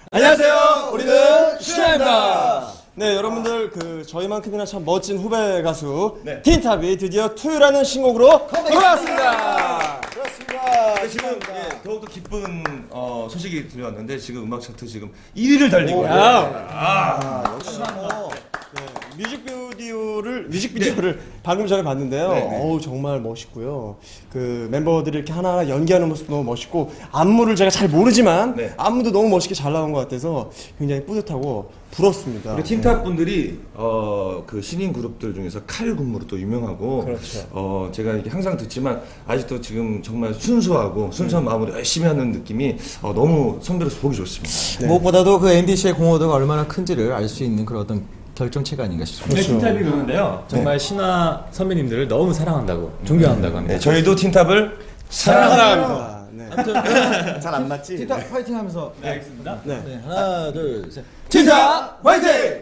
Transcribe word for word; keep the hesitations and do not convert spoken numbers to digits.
안녕하세요. 우리는 슈나입니다. 네, 여러분들 그 저희만큼이나 참 멋진 후배 가수 네. 틴탑이 드디어 투유라는 신곡으로 돌아왔습니다. 그렇습니다. 네, 지금 예, 더욱더 기쁜 어, 소식이 들려왔는데 지금 음악 차트 지금 일 위를 달리고 있어요. 아, 역시 뭐 네, 뮤직비디오를 뮤직비디오를 네. 방금 전에 봤는데요. 네. 어우 정말 멋있고요. 그 멤버들이 이렇게 하나하나 연기하는 모습도 너무 멋있고 안무를 제가 잘 모르지만 네. 안무도 너무 멋있게 잘 나온 것 같아서 굉장히 뿌듯하고 부럽습니다. 우리 틴탑 분들이 어, 그 신인 그룹들 중에서 칼 군무로 또 유명하고 그렇죠. 어, 제가 이렇게 항상 듣지만 아직도 지금 정말 순수하고 순수한 네. 마음으로 열심히 하는 느낌이 어, 너무 선배로서 보기 좋습니다. 네. 무엇보다도 그 엠비씨의 공허도가 얼마나 큰지를 알 수 있는 그런 어떤 결정체가 아닌가 싶습니다. 네, 틴탑이 그러는데요. 정말 네. 신화 선배님들을 너무 사랑한다고, 존경한다고 합니다. 네, 저희도 틴탑을 사랑합니다. 네. 잘 안 맞지? 틴탑 파이팅 하면서. 네, 알겠습니다. 네. 네, 하나, 둘, 셋. 틴탑 화이팅!